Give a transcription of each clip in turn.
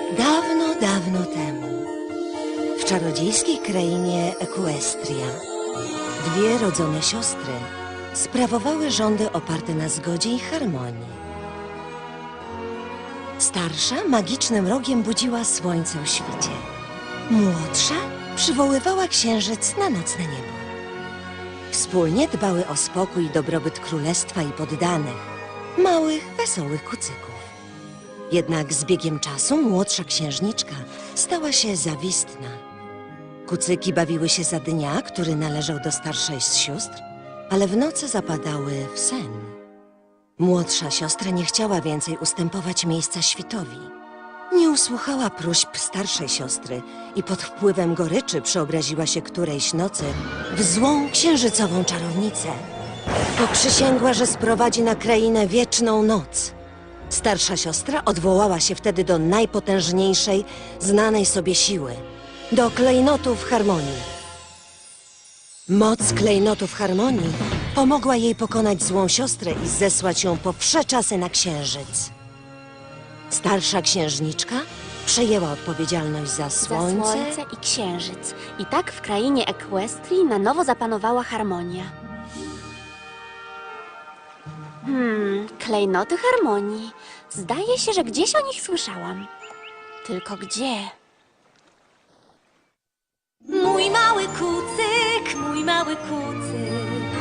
Dawno, dawno temu, w czarodziejskiej krainie Equestria, dwie rodzone siostry sprawowały rządy oparte na zgodzie i harmonii. Starsza magicznym rogiem budziła słońce o świcie. Młodsza przywoływała księżyc na nocne niebo. Wspólnie dbały o spokój i dobrobyt królestwa i poddanych, małych, wesołych kucyków. Jednak z biegiem czasu młodsza księżniczka stała się zawistna. Kucyki bawiły się za dnia, który należał do starszej z sióstr, ale w nocy zapadały w sen. Młodsza siostra nie chciała więcej ustępować miejsca świtowi. Nie usłuchała próśb starszej siostry i pod wpływem goryczy przeobraziła się którejś nocy w złą księżycową czarownicę. Poprzysięgła, że sprowadzi na krainę wieczną noc. Starsza siostra odwołała się wtedy do najpotężniejszej, znanej sobie siły, do klejnotów harmonii. Moc klejnotów harmonii pomogła jej pokonać złą siostrę i zesłać ją po wsze czasy na księżyc. Starsza księżniczka przejęła odpowiedzialność za słońce i księżyc. I tak w krainie Equestrii na nowo zapanowała harmonia. Klejnoty harmonii. Zdaje się, że gdzieś o nich słyszałam. Tylko gdzie? Mój mały kucyk, mój mały kucyk.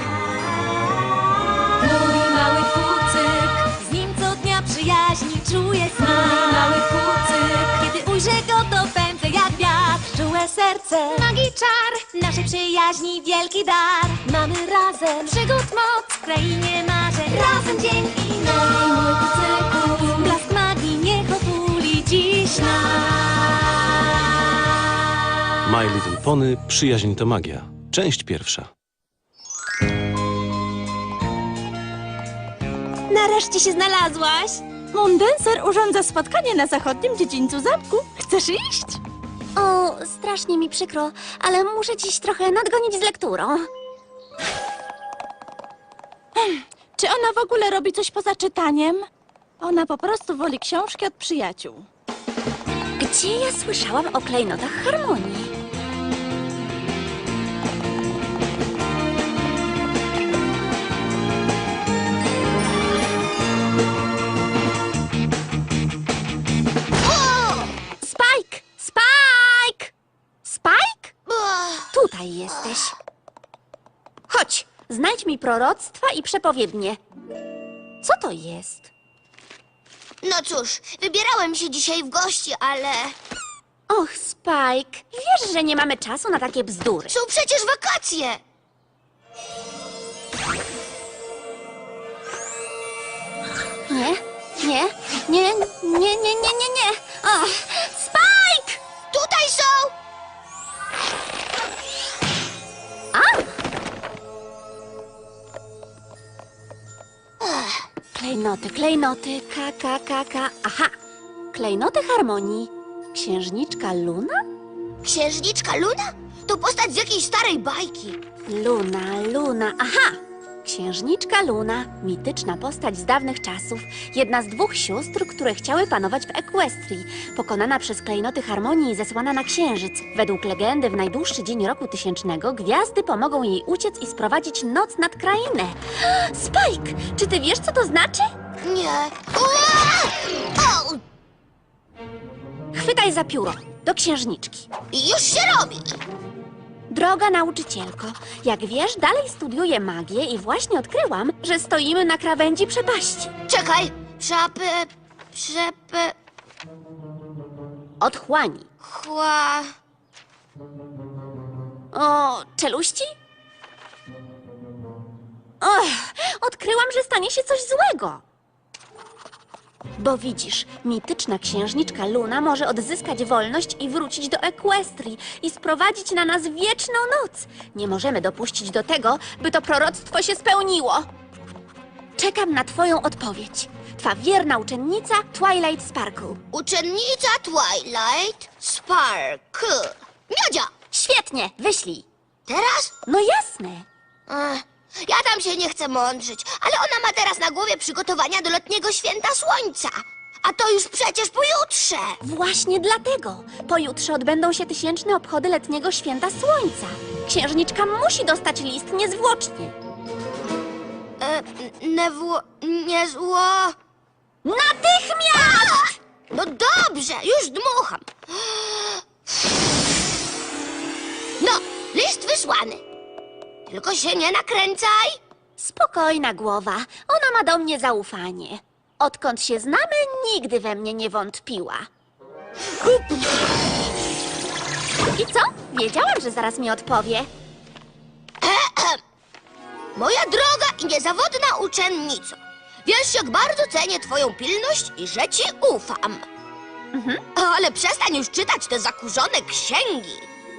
Mój mały kucyk, z nim co dnia przyjaźni czuję smak. Mój mały kucyk, kiedy ujrzę go, to pędzę jak wiatr. Czułe serce, magii czar, naszej przyjaźni wielki dar. Mamy razem przygód moc w krainie marzeń. Razem dzień i noc. Mój kucyku, blask magii niech otuli dziś nas. My Little Pony – Przyjaźń to magia. Część pierwsza. Nareszcie się znalazłaś. Mundenser urządza spotkanie na zachodnim dziedzińcu zamku. Chcesz iść? O, strasznie mi przykro, ale muszę dziś trochę nadgonić z lekturą. Czy ona w ogóle robi coś poza czytaniem? Ona po prostu woli książki od przyjaciół. Gdzie ja słyszałam o klejnotach harmonii? Spike! Spike! Spike? Tutaj jesteś. Chodź, znajdź mi proroctwa i przepowiednie. Co to jest? No cóż, wybierałem się dzisiaj w gości, ale Och, Spike, wiesz, że nie mamy czasu na takie bzdury. są przecież wakacje. Nie, nie, nie, nie, nie, nie, nie, nie. Och, Spike! Tutaj są! Klejnoty, klejnoty, K. Aha, klejnoty harmonii. Księżniczka Luna? Księżniczka Luna? To postać z jakiejś starej bajki. Luna, aha! Księżniczka Luna, mityczna postać z dawnych czasów, jedna z dwóch sióstr, które chciały panować w Equestrii. Pokonana przez klejnoty harmonii i zesłana na księżyc. Według legendy w najdłuższy dzień roku tysięcznego gwiazdy pomogą jej uciec i sprowadzić noc nad krainę. Spike, czy ty wiesz, co to znaczy? Nie. Ua! O! Chwytaj za pióro, do księżniczki. Już się robi. Droga nauczycielko, jak wiesz, dalej studiuję magię i właśnie odkryłam, że stoimy na krawędzi przepaści. Czekaj. Otchłani. Chła... O, czeluści? Och, odkryłam, że stanie się coś złego. Bo widzisz, mityczna księżniczka Luna może odzyskać wolność i wrócić do Equestrii i sprowadzić na nas wieczną noc. Nie możemy dopuścić do tego, by to proroctwo się spełniło. Czekam na twoją odpowiedź. Twa wierna uczennica Twilight Sparkle. Uczennica Twilight Sparkle. Miodzia! Świetnie, wyślij. Teraz? No jasne. Ja tam się nie chcę mądrzyć, ale ona ma teraz na głowie przygotowania do letniego święta słońca. A to już przecież pojutrze. Właśnie dlatego. Pojutrze odbędą się tysięczne obchody letniego święta słońca. Księżniczka musi dostać list niezwłocznie. Nie zło. Natychmiast! No dobrze, już dmucham. No, list wysłany. Tylko się nie nakręcaj. Spokojna głowa. Ona ma do mnie zaufanie. Odkąd się znamy, nigdy we mnie nie wątpiła. I co? Wiedziałam, że zaraz mi odpowie. Moja droga i niezawodna uczennico. Wiesz, jak bardzo cenię twoją pilność i że ci ufam. Ale przestań już czytać te zakurzone księgi.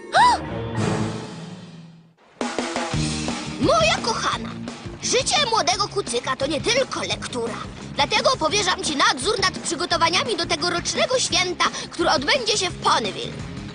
Moja kochana, życie młodego kucyka to nie tylko lektura. Dlatego powierzam ci nadzór nad przygotowaniami do tegorocznego święta, które odbędzie się w Ponyville.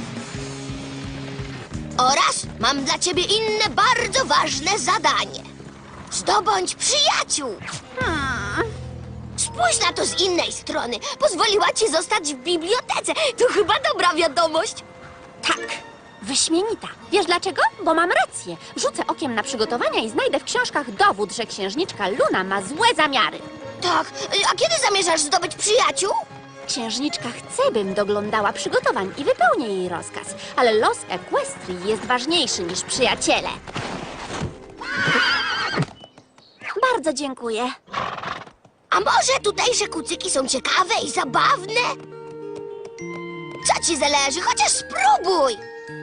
Oraz mam dla ciebie inne bardzo ważne zadanie. Zdobądź przyjaciół. Spójrz na to z innej strony. Pozwoliła ci zostać w bibliotece. To chyba dobra wiadomość. Tak, wyśmienita. Wiesz dlaczego? Bo mam rację. Rzucę okiem na przygotowania i znajdę w książkach dowód, że księżniczka Luna ma złe zamiary. Tak, a kiedy zamierzasz zdobyć przyjaciół? Księżniczka chce, bym doglądała przygotowań i wypełnię jej rozkaz, ale los Equestrii jest ważniejszy niż przyjaciele. Bardzo dziękuję. A może tutejsze kucyki są ciekawe i zabawne? Co ci zależy? Chociaż spróbuj!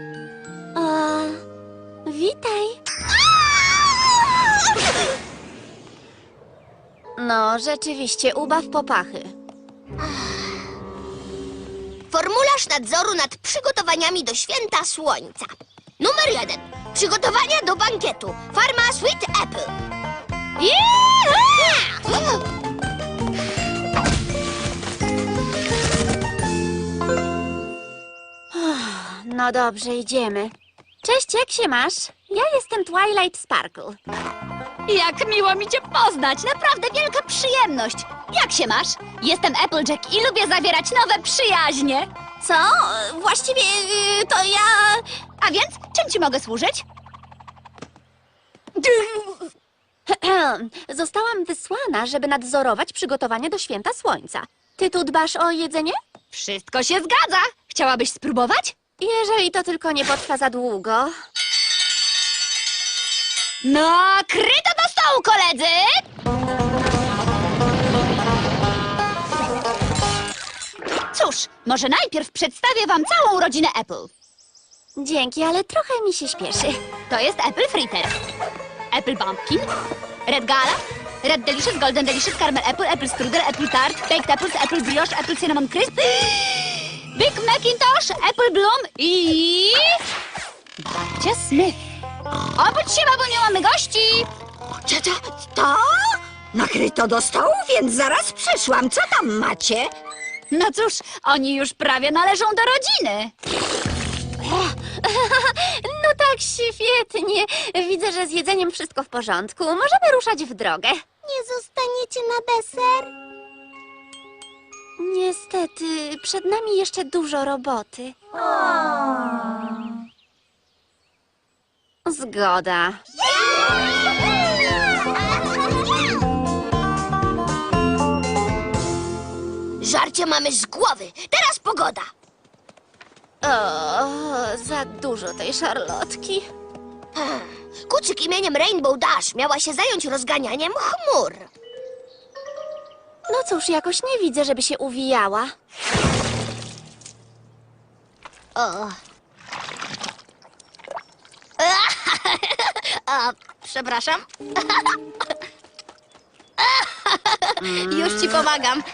Witaj. No, rzeczywiście, ubaw popachy. Formularz nadzoru nad przygotowaniami do święta słońca. Numer 1. Przygotowania do bankietu. Farma Sweet Apple. No dobrze, idziemy. Cześć, jak się masz? Ja jestem Twilight Sparkle. Jak miło mi cię poznać, naprawdę wielka przyjemność. Jak się masz? Jestem Applejack i lubię zawierać nowe przyjaźnie. Co? Właściwie to ja... A więc, czym ci mogę służyć? Zostałam wysłana, żeby nadzorować przygotowania do święta słońca. Ty tu dbasz o jedzenie? Wszystko się zgadza. Chciałabyś spróbować? Jeżeli to tylko nie potrwa za długo. No, kryto do stołu, koledzy! Cóż, może najpierw przedstawię wam całą rodzinę Apple. Dzięki, ale trochę mi się śpieszy. To jest Apple Fritter, Apple Bumpkin, Red Gala, Red Delicious, Golden Delicious, Caramel Apple, Apple Strudel, Apple Tart, Baked Apples, Apple Brioche, Apple Cinnamon Crisp, Big Macintosh, Apple Bloom i... Babcia Smith. Obudź się, babuniu, mamy gości! To? Nakryto do stołu, więc zaraz przyszłam. Co tam macie? No cóż, oni już prawie należą do rodziny. No tak, świetnie. Widzę, że z jedzeniem wszystko w porządku. Możemy ruszać w drogę. Nie zostaniecie na deser? Niestety, przed nami jeszcze dużo roboty. Zgoda. Żarcie mamy z głowy. Teraz pogoda. O, za dużo tej szarlotki. Kucyk imieniem Rainbow Dash miała się zająć rozganianiem chmur. No cóż, jakoś nie widzę, żeby się uwijała. Przepraszam. Już ci pomagam.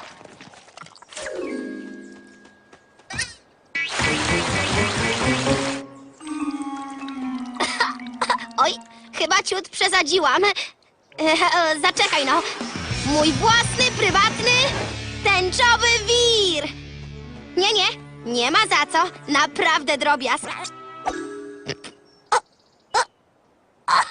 Oj, chyba ciut przesadziłam. Zaczekaj no. Mój własny, prywatny, tęczowy wir. Nie ma za co. Naprawdę drobiazg.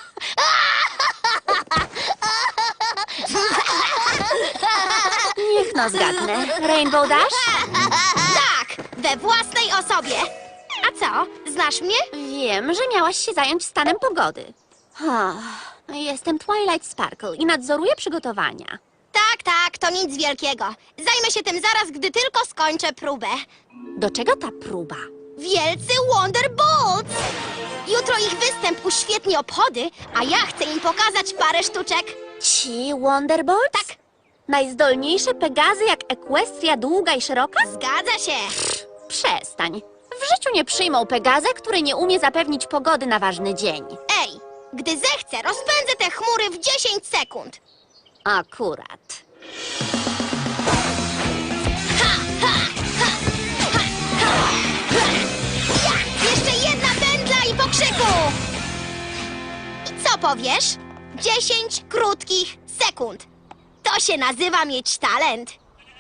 Niech No zgadnę. Rainbow Dash? Tak, we własnej osobie. A co, znasz mnie? Wiem, że miałaś się zająć stanem pogody. Jestem Twilight Sparkle i nadzoruję przygotowania. Tak, to nic wielkiego. Zajmę się tym zaraz, gdy tylko skończę próbę. Do czego ta próba? Wielcy Wonderbolts! Jutro ich występ uświetni obchody, a ja chcę im pokazać parę sztuczek. Ci Wonderbolts? Tak. Najzdolniejsze Pegazy jak Equestria długa i szeroka? Zgadza się. Przestań. W życiu nie przyjmą Pegazę, który nie umie zapewnić pogody na ważny dzień. Ej, gdy zechcę, rozpędzę te chmury w 10 sekund. Akurat. Jeszcze jedna pętla i po krzyku! I co powiesz? 10 krótkich sekund. To się nazywa mieć talent.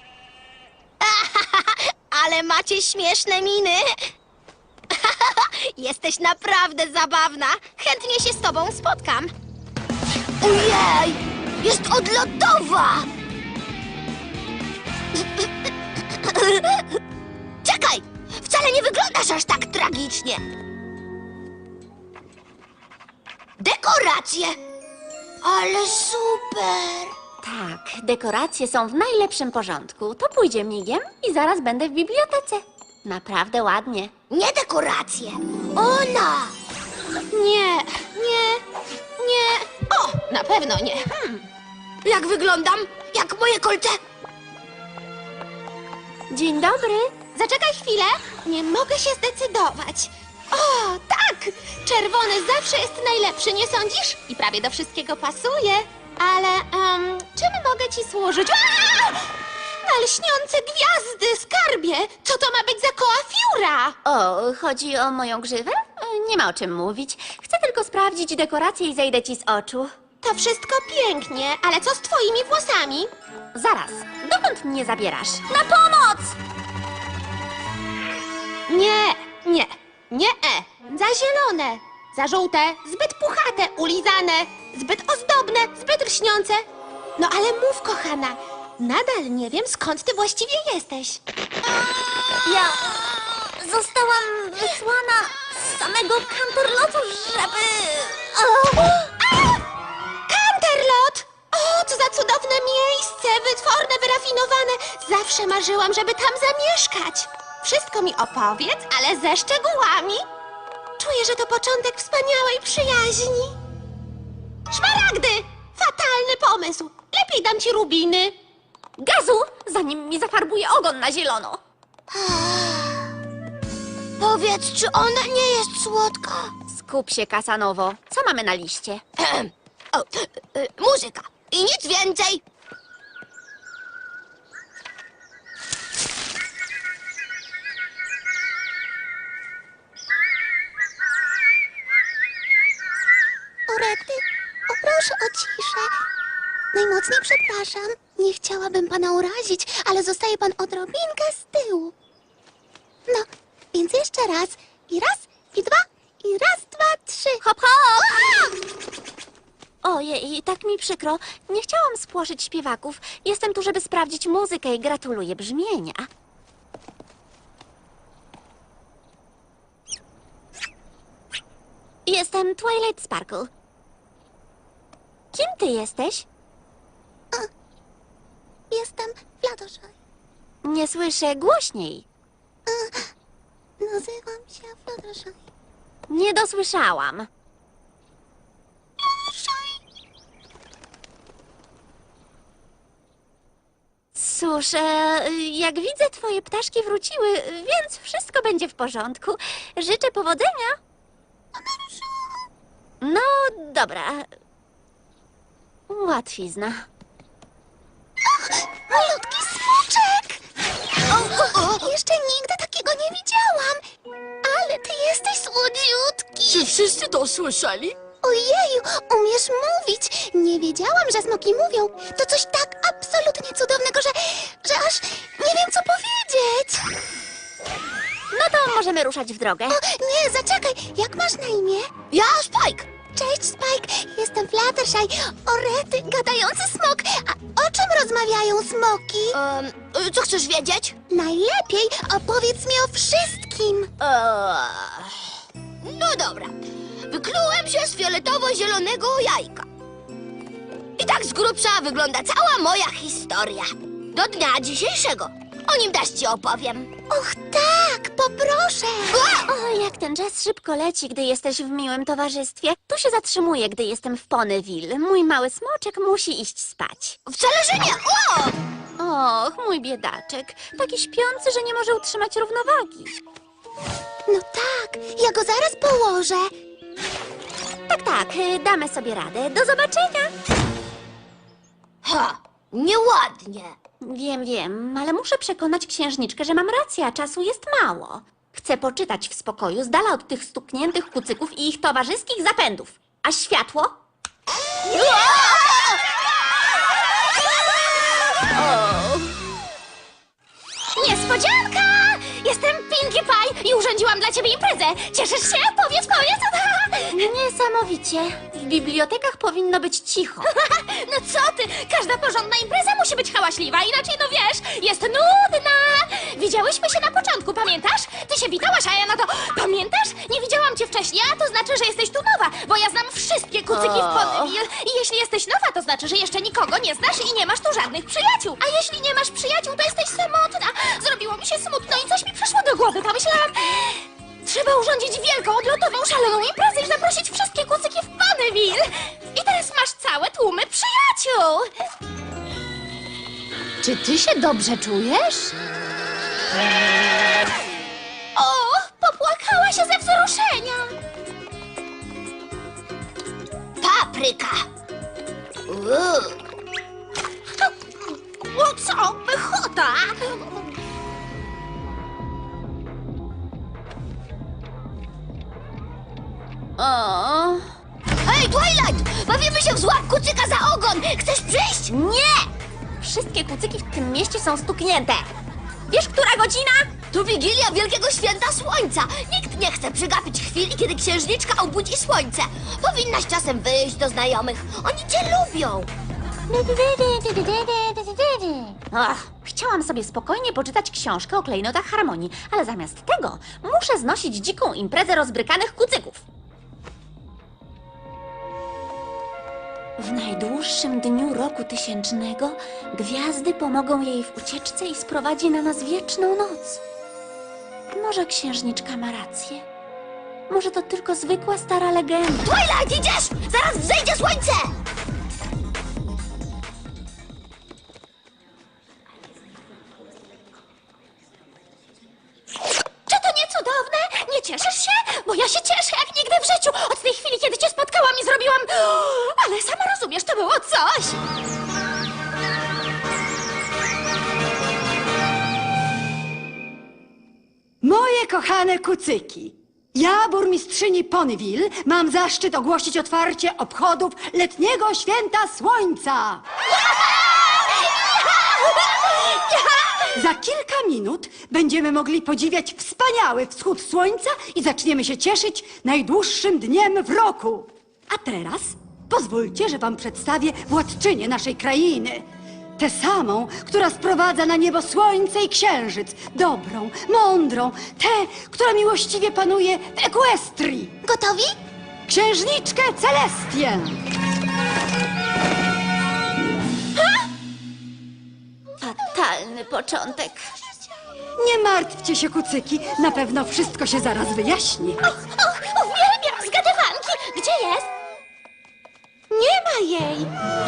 Ale macie śmieszne miny. Jesteś naprawdę zabawna. Chętnie się z tobą spotkam. Ojej! Jest odlotowa! Czekaj! Wcale nie wyglądasz aż tak tragicznie. Dekoracje! Ale super! Tak, dekoracje są w najlepszym porządku. To pójdzie migiem i zaraz będę w bibliotece. Naprawdę ładnie. Nie dekoracje! Ona! Nie. O, na pewno nie. Jak wyglądam? Jak moje kolce? Dzień dobry. Zaczekaj chwilę. Nie mogę się zdecydować. O, tak! Czerwony zawsze jest najlepszy, nie sądzisz? I prawie do wszystkiego pasuje. Ale, czym mogę ci służyć? Aaa! Na lśniące gwiazdy, skarbie! Co to ma być za koła fiura? O, chodzi o moją grzywę? Nie ma o czym mówić. Chcę tylko sprawdzić dekoracje i zejdę ci z oczu. To wszystko pięknie, ale co z twoimi włosami? Zaraz, dokąd mnie zabierasz? Na pomoc! Nie, za zielone, za żółte, zbyt puchate, ulizane, zbyt ozdobne, zbyt lśniące. No ale mów, kochana, nadal nie wiem, skąd ty właściwie jesteś. Ja zostałam wysłana z samego Canterlotu, żeby... Canterlot! O, co za cudowne miejsce, wytworne, wyrafinowane. Zawsze marzyłam, żeby tam zamieszkać. Wszystko mi opowiedz, ale ze szczegółami. Czuję, że to początek wspaniałej przyjaźni. Szmaragdy! Fatalny pomysł. Lepiej dam ci rubiny. Gazu, zanim mi zafarbuje ogon na zielono. Powiedz, czy ona nie jest słodka? Skup się, Kasanowo. Co mamy na liście? O, muzyka. I nic więcej. Orety, proszę o ciszę. Najmocniej przepraszam. Nie chciałabym pana urazić, ale zostaje pan odrobinkę z tyłu. No, więc jeszcze raz. I raz, i dwa, i raz, dwa, trzy. Hop, hop! Ojej, tak mi przykro. Nie chciałam spłoszyć śpiewaków. Jestem tu, żeby sprawdzić muzykę i gratuluję brzmienia. Jestem Twilight Sparkle. Kim ty jesteś? Jestem Fluttershy. Nie słyszę, głośniej. Nazywam się Fluttershy. Nie dosłyszałam. Cóż, jak widzę, twoje ptaszki wróciły, więc wszystko będzie w porządku. Życzę powodzenia. No, dobra. Łatwizna. Malutki smoczek! Jeszcze nigdy takiego nie widziałam. Ale ty jesteś słodziutki. Czy wszyscy to słyszeli? Ojeju, umiesz mówić. Nie wiedziałam, że smoki mówią. To coś tak absolutnie cudownego, że aż nie wiem, co powiedzieć. No to możemy ruszać w drogę. O, nie, zaczekaj. Jak masz na imię? Ja Spike. Cześć, Spike. Jestem Fluttershy. O rety, gadający smok. A o czym rozmawiają smoki? Co chcesz wiedzieć? Najlepiej opowiedz mi o wszystkim. No dobra. Wyklułem się z fioletowo-zielonego jajka. I tak z grubsza wygląda cała moja historia. Do dnia dzisiejszego. O nim też ci opowiem. Och tak, poproszę. O, jak ten czas szybko leci, gdy jesteś w miłym towarzystwie. Tu się zatrzymuję, gdy jestem w Ponyville. Mój mały smoczek musi iść spać. Wcale, że nie. Och, mój biedaczek. Taki śpiący, że nie może utrzymać równowagi. No tak, ja go zaraz położę. Tak, damy sobie radę. Do zobaczenia. Ha, nieładnie. Wiem, ale muszę przekonać księżniczkę, że mam rację, a czasu jest mało. Chcę poczytać w spokoju, z dala od tych stukniętych kucyków i ich towarzyskich zapędów. A światło? Niespodzianka! Jestem Pinkie Pie i urządziłam dla ciebie imprezę. Cieszysz się? Powiedz! Niesamowicie. W bibliotekach powinno być cicho. No co ty? Każda porządna impreza musi być hałaśliwa, inaczej no wiesz, jest nudna. Widziałyśmy się na początku, pamiętasz? Ty się witałaś, a ja na to, pamiętasz? Nie widziałam cię wcześniej, a to znaczy, że jesteś tu nowa, bo ja znam wszystkie kucyki w Ponyville. I jeśli jesteś nowa, to znaczy, że jeszcze nikogo nie znasz i nie masz tu żadnych przyjaciół. A jeśli nie masz przyjaciół, to jesteś samotna. Zrobiło mi się smutno i coś mi przyszło do głowy. Pomyślałam, trzeba urządzić wielką, odlotową, szaloną imprezę i zaprosić wszystkie kucyki w Ponyville. I teraz masz całe tłumy przyjaciół. Czy ty się dobrze czujesz? O, popłakała się ze wzruszenia. Papryka. O co? Pychota! O, Hej, Twilight! Bawimy się w złap kucyka za ogon! Chcesz przyjść? nie! Wszystkie kucyki w tym mieście są stuknięte. Wiesz, która godzina? To Wigilia Wielkiego Święta Słońca. Nikt nie chce przegapić chwili, kiedy księżniczka obudzi słońce. Powinnaś czasem wyjść do znajomych. Oni cię lubią. Ach, chciałam sobie spokojnie poczytać książkę o klejnotach harmonii, ale zamiast tego muszę znosić dziką imprezę rozbrykanych kucyków. W najdłuższym dniu roku tysięcznego gwiazdy pomogą jej w ucieczce i sprowadzi na nas wieczną noc. Może księżniczka ma rację? Może to tylko zwykła stara legenda? Twilight, idziesz! Zaraz wzejdzie słońce! Czy to nie cudowne? Nie cieszysz się? Bo ja się cieszę jak nigdy w życiu. Od tej chwili, kiedy cię spotkałam i zrobiłam... Ale sama rozumiesz, to było coś. Moje kochane kucyki, ja, burmistrzyni Ponyville, mam zaszczyt ogłosić otwarcie obchodów letniego święta słońca. Za kilka minut będziemy mogli podziwiać wspaniały wschód słońca i zaczniemy się cieszyć najdłuższym dniem w roku. A teraz pozwólcie, że wam przedstawię władczynię naszej krainy. Tę samą, która sprowadza na niebo słońce i księżyc. Dobrą, mądrą, tę, która miłościwie panuje w Equestrii. Gotowi? Księżniczkę Celestię. Fatalny początek. Nie martwcie się, kucyki, na pewno wszystko się zaraz wyjaśni. Uwielbiam zgadywanki. Gdzie jest? Nie ma jej!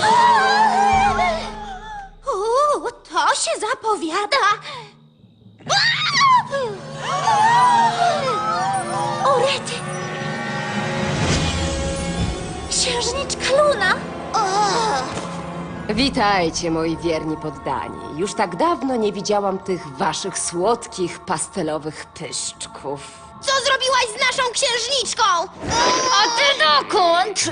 To się zapowiada. O rety! Księżniczka Luna! Witajcie, moi wierni poddani. Już tak dawno nie widziałam tych waszych słodkich, pastelowych pyszczków. Co zrobiłaś z naszą księżniczką? A ty dokąd?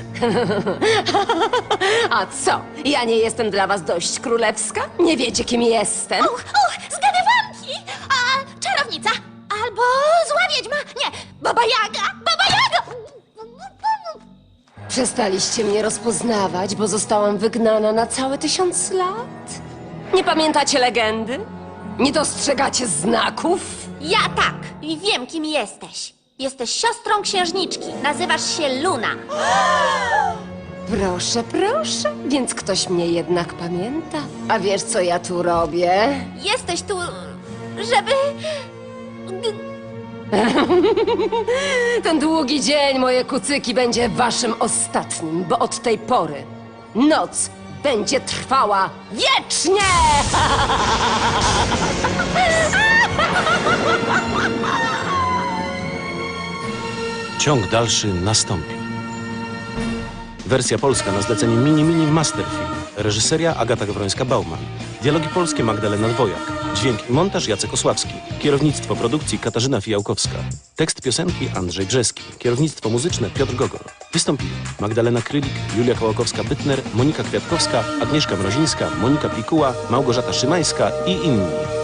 A co? Ja nie jestem dla was dość królewska? Nie wiecie, kim jestem? Zgadywanki. A czarownica. Albo zła wiedźma. Nie, Baba Jaga. Baba Jaga. Przestaliście mnie rozpoznawać, bo zostałam wygnana na całe 1000 lat? Nie pamiętacie legendy? Nie dostrzegacie znaków? Ja tak i wiem, kim jesteś. Jesteś siostrą księżniczki. Nazywasz się Luna. Proszę, proszę, więc ktoś mnie jednak pamięta. A wiesz, co ja tu robię? Jesteś tu, żeby... Ten długi dzień, moje kucyki, będzie waszym ostatnim, bo od tej pory noc będzie trwała wiecznie! Ciąg dalszy nastąpi. Wersja polska na zlecenie Mini Masterfilm. Reżyseria Agata Gawrońska-Bauman. Dialogi polskie Magdalena Dwojak. Dźwięk i montaż Jacek Osławski. Kierownictwo produkcji Katarzyna Fijałkowska. Tekst piosenki Andrzej Brzeski. Kierownictwo muzyczne Piotr Gogol. Wystąpili Magdalena Krylik, Julia Kołakowska-Bytner, Monika Kwiatkowska, Agnieszka Mrozińska, Monika Pikuła, Małgorzata Szymańska i inni.